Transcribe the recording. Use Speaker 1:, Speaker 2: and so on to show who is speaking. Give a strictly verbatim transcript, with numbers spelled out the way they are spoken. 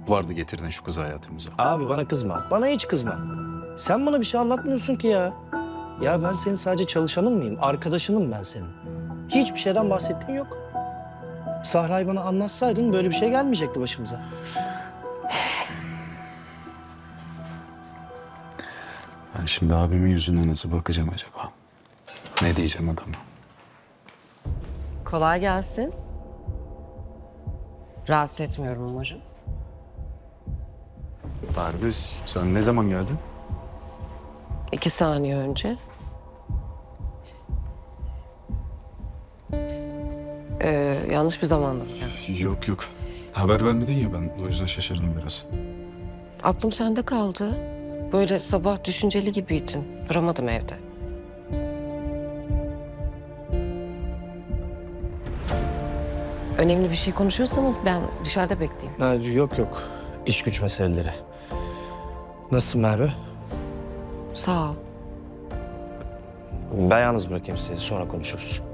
Speaker 1: vardı getirdin şu kızı hayatımıza?
Speaker 2: Abi bana kızma. Bana hiç kızma. Sen bana bir şey anlatmıyorsun ki ya. Ya ben senin sadece çalışanın mıyım? Arkadaşınım ben senin. Hiçbir şeyden bahsettiğin yok. Sahra'yı bana anlatsaydın böyle bir şey gelmeyecekti başımıza.
Speaker 1: Ben şimdi abimin yüzüne nasıl bakacağım acaba? Ne diyeceğim adama?
Speaker 3: Kolay gelsin. Rahatsız etmiyorum umarım.
Speaker 1: Perviz, sen ne zaman geldin?
Speaker 3: İki saniye önce. Ee, yanlış bir zamanda mı geldin?
Speaker 1: Yok yok. Haber vermedin ya, ben o yüzden şaşırdım biraz.
Speaker 3: Aklım sende kaldı. Böyle sabah düşünceli gibiydin. Duramadım evde. Önemli bir şey konuşuyorsanız ben dışarıda bekleyeyim.
Speaker 2: Ha, yok yok. İş güç meseleleri. Nasılsın Merve?
Speaker 3: Sağ ol.
Speaker 2: Ben yalnız bırakayım sizi. Sonra konuşuruz.